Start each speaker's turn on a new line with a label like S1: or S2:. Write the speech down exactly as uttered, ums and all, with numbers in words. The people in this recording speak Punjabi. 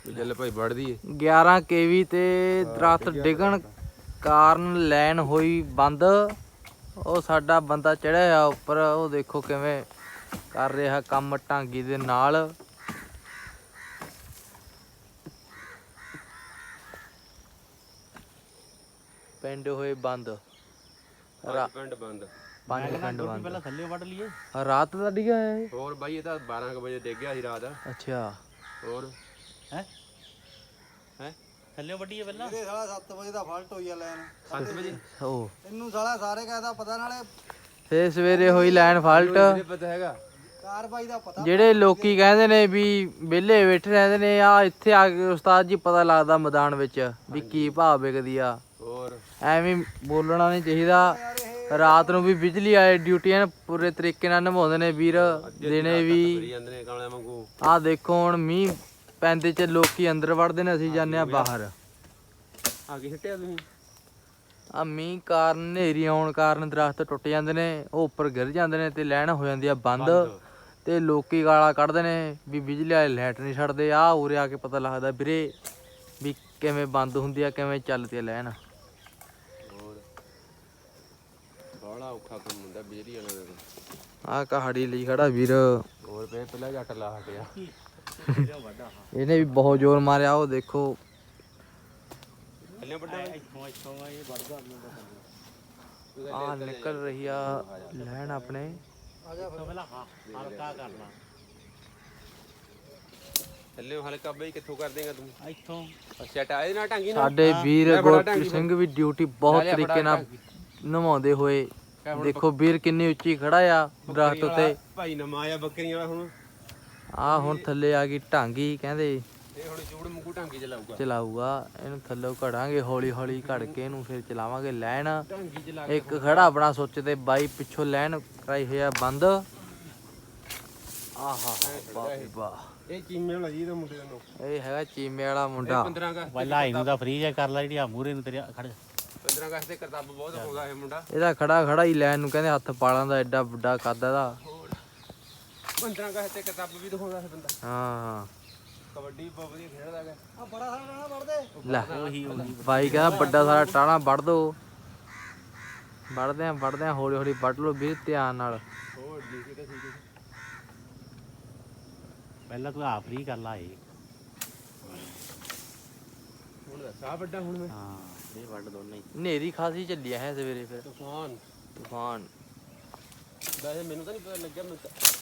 S1: ਚੱਲ ਭਾਈ ਵੜਦੀ
S2: ਗਿਆਰਾਂ ਕੇਵੀ ਤੇ ਦਰਖਤ ਡਿੱਗਣ ਕਾਰਨ ਲਾਈਨ ਹੋਈ ਬੰਦ। ਉਹ ਸਾਡਾ ਬੰਦਾ ਚੜਿਆ ਆ ਉੱਪਰ, ਉਹ ਦੇਖੋ ਕਿਵੇਂ ਕਰ ਰਿਹਾ ਕੰਮ ਢਾਂਗੀ ਦੇ ਨਾਲ। ਪਿੰਡ ਹੋਏ ਬੰਦ,
S1: ਪਿੰਡ ਬੰਦ,
S2: ਪੰਜ ਪਿੰਡ ਬੰਦ।
S3: ਪਹਿਲਾਂ ਥੱਲੇ ਵੱਢ ਲਈਏ।
S2: ਰਾਤ ਦਾ ਡਿੱਗਿਆ ਇਹ?
S1: ਹੋਰ ਬਾਈ ਇਹ ਤਾਂ ਬਾਰਾਂ ਕੁ ਵਜੇ ਡਿੱਗ ਗਿਆ ਸੀ ਰਾਤ।
S2: ਅੱਛਾ।
S1: ਹੋਰ
S3: ਹੈ
S1: ਹੈ
S3: ਥੱਲੇ ਵੱਢੀਏ ਪਹਿਲਾਂ।
S4: ਇਹਦੇ ਸਾਲਾ ਸੱਤ ਵਜੇ ਦਾ ਫਾਲਟ ਹੋਈ ਆ ਲੈਣ।
S1: ਸੱਤ ਵਜੇ
S2: ਉਹ
S4: ਇਹਨੂੰ ਸਾਲਾ ਸਾਰੇ ਕਹਿਦਾ ਪਤਾ, ਨਾਲੇ
S2: ਫੇਰ ਸਵੇਰੇ ਹੋਈ ਲਾਈਨ ਫਾਲਟ।
S1: ਪਤਾ ਹੈਗਾ
S4: ਕਾਰਵਾਈ ਦਾ ਪਤਾ।
S2: ਜਿਹੜੇ ਲੋਕੀ ਕਹਿੰਦੇ ਨੇ ਵੀ ਵਿਹਲੇ ਬੈਠੇ ਰਹਿੰਦੇ ਨੇ, ਆ ਇੱਥੇ ਆ ਕੇ ਉਸਤਾਦ ਜੀ ਪਤਾ ਲੱਗਦਾ ਮੈਦਾਨ ਵਿੱਚ ਵੀ ਕੀ ਭਾਅ ਵਿਕਦੀ ਆ।
S1: ਹੋਰ
S2: ਐਵੇਂ ਬੋਲਣਾ ਨਹੀਂ ਚਾਹੀਦਾ। ਰਾਤ ਨੂੰ ਵੀ ਬਿਜਲੀ ਵਾਲੇ ਡਿਊਟੀਆਂ ਪੂਰੇ ਤਰੀਕੇ ਨਾਲ ਨਿਭਾਉਂਦੇ ਨੇ ਵੀਰ, ਦਿਨੇ ਵੀ।
S1: ਜਾਂਦੇ ਨੇ ਕਾਲਿਆਂ ਵਾਂਗੂ।
S2: ਆਹ ਦੇਖੋ ਹੁਣ ਮੀਂਹ ਪੈਂਦੇ ਚ ਲੋਕੀ ਅੰਦਰ ਵੜਦੇ ਨੇ, ਅਸੀਂ ਜਾਂਦੇ ਆ ਬਾਹਰ।
S1: ਆ ਕੀ ਸਿੱਟਿਆ ਤੁਸੀਂ?
S2: ਆ ਮੀਂਹ ਕਾਰਨ ਹਨੇਰੀ ਆਉਣ ਕਾਰਨ ਦਰਖਤ ਟੁੱਟ ਜਾਂਦੇ ਨੇ, ਉਹ ਉੱਪਰ ਗਿਰ ਜਾਂਦੇ ਨੇ ਤੇ ਲਾਈਨ ਹੋ ਜਾਂਦੀ ਆ ਬੰਦ। ਤੇ ਲੋਕੀ ਗਾਲਾਂ ਕੱਢਦੇ ਨੇ ਵੀ ਬਿਜਲੀ ਵਾਲੇ ਲਾਈਟ ਨਹੀਂ ਛੱਡਦੇ। ਆ ਉਰੇ ਆ ਕੇ ਪਤਾ ਲੱਗਦਾ ਵੀਰੇ ਵੀ ਕਿਵੇਂ ਬੰਦ ਹੁੰਦੀ ਆ, ਕਿਵੇਂ ਚੱਲਦੀ ਆ ਲਾਈਨ।
S1: ਹੋਰ ਬੜਾ ਔਖਾ ਕੰਮ ਹੁੰਦਾ ਬਿਜਲੀ ਵਾਲਿਆਂ ਦਾ।
S2: ਆ ਕਹਾੜੀ ਲਈ ਖੜਾ ਵੀਰ,
S1: ਹੋਰ ਪਏ ਪਹਿਲਾਂ ਜੱਟ ਲਾ ਹਟਿਆ।
S2: ਇਹਨੇ ਵੀ ਬਹੁਤ ਜ਼ੋਰ ਮਾਰਿਆ। ਉਹ ਦੇਖੋ
S1: ਥੱਲੇ ਵੱਡਾ
S3: ਇੱਥੋਂ ਇੱਥੋਂ ਇਹ ਵੱਢਦਾ
S2: ਆ ਨਿਕਲ ਰਹੀ ਆ ਲਾਈਨ ਆਪਣੇ।
S3: ਇੱਥੋਂ ਪਹਿਲਾਂ ਹਾਂ ਹਲਕਾ ਕਰਨਾ।
S1: ਥੱਲੇ ਹਲਕਾ ਬਈ ਕਿੱਥੋਂ ਕਰ ਦੇਗਾ ਤੂੰ?
S3: ਇੱਥੋਂ
S1: ਅੱਛਾ ਟਾਇਰ ਨਾਲ ਢਾਂਗੀ ਨਾਲ।
S2: ਸਾਡੇ ਵੀਰ ਗੁਰਪ੍ਰੀਤ ਸਿੰਘ ਵੀ ਡਿਊਟੀ ਬਹੁਤ ਤਰੀਕੇ ਨਾਲ ਨਿਭਾਉਂਦੇ ਹੋਏ। ਦੇਖੋ ਵੀਰ ਕਿੰਨੀ ਉੱਚੀ ਖੜਾ ਆ ਦਰਖਤ ਉੱਤੇ।
S1: ਭਾਈ ਨਮਾ ਆ ਬੱਕਰੀਆਂ ਵਾਲਾ। ਹੁਣ
S2: ਆ ਹੁਣ ਥੱਲੇ ਆ ਗਈ ਢਾਂਗੀ, ਕਹਿੰਦੇ
S1: ਇਹ ਹੁਣ ਚੂੜ ਮੁੰਗੂ ਢਾਂਗੀ ਚਲਾਊਗਾ।
S2: ਚਲਾਊਗਾ। ਇਹਨੂੰ ਥੱਲੇ ਘੜਾਂਗੇ ਹੌਲੀ ਹੌਲੀ, ਘੜ ਕੇ ਇਹਨੂੰ ਫਿਰ ਚਲਾਵਾਂਗੇ ਲਾਈਨ।
S1: ਢਾਂਗੀ ਚਲਾ
S2: ਇੱਕ ਖੜਾ ਆਪਣਾ ਸੁੱਚ ਤੇ ਬਾਈ ਪਿੱਛੋਂ ਲਾਈਨ ਕਰਾਈ ਹੋਈ ਆ ਬੰਦ। ਆਹਾ ਵਾਹ ਵਾਹ,
S1: ਇਹ ਚੀਮੇ ਵਾਲਾ ਜੀ ਦਾ ਮੁੰਡੇ ਦਾ ਨੋ।
S2: ਇਹ ਹੈਗਾ ਚੀਮੇ ਵਾਲਾ ਮੁੰਡਾ।
S1: ਪੰਦਰਾਂ ਅਗਸਤ
S3: ਪਹਿਲਾਂ ਇਹਨੂੰ ਤਾਂ ਫ੍ਰੀ ਜਾ ਕਰ ਲਾ, ਜਿਹੜੀ ਆ ਮੂਰੇ ਨੂੰ ਤੇਰੇ ਖੜ।
S1: ਪੰਦਰਾਂ ਅਗਸਤ ਤੇ ਕਰਤੱਵ ਬਹੁਤ ਹੋਗਾ ਇਹ ਮੁੰਡਾ।
S2: ਇਹਦਾ ਖੜਾ ਖੜਾ ਹੀ ਲਾਈਨ ਨੂੰ ਕਹਿੰਦੇ ਹੱਥ ਪਾਲਾਂ ਦਾ, ਐਡਾ ਵੱਡਾ ਕੱਦ ਇਹਦਾ।
S1: ਪੰਦਰਾਂ ਅਗਸਤ ਤੇ ਕਰਤੱਵ ਵੀ ਦਿਖਾਉਂਦਾ ਇਹ ਬੰਦਾ।
S2: ਹਾਂ
S1: ਕਬੱਡੀ ਬਹੁਤ ਵਧੀਆ ਖੇਡਦਾ ਹੈਗਾ।
S4: ਆ ਬੜਾ ਸਾਰਾ ਰਹਿਣਾ ਵੜਦੇ।
S2: ਲੈ ਬਾਈ ਕਹਿੰਦਾ ਵੱਡਾ ਸਾਰਾ ਟਾਣਾ ਵੱਢ ਦੋ। ਵੱਢਦੇ ਆ ਵੱਢਦੇ ਆ ਹੌਲੀ ਹੌਲੀ ਵੱਢ ਲਓ ਵੀਰ, ਧਿਆਨ ਨਾਲ।
S1: ਹੋਰ ਜੀ ਤਾਂ ਠੀਕ ਹੈ।
S3: ਪਹਿਲਾਂ ਤੂੰ ਆ ਫ੍ਰੀ ਕਰ ਲਾ ਇਹ।
S1: ਹੁਣ ਦਾ ਸਾਹ ਵੱਡਾ ਹੁਣ ਮੈਂ।
S3: ਹਾਂ ਇਹ ਵੱਢ ਦੋਨੇ ਹੀ।
S2: ਹਨੇਰੀ ਖਾਸੀ ਚੱਲੀ ਹੈ ਸਵੇਰੇ ਫਿਰ,
S1: ਤੂਫਾਨ
S2: ਤੂਫਾਨ।
S1: ਵੈਸੇ ਮੈਨੂੰ ਤਾਂ ਨਹੀਂ ਪਤਾ ਲੱਗਿਆ। ਮੈਂ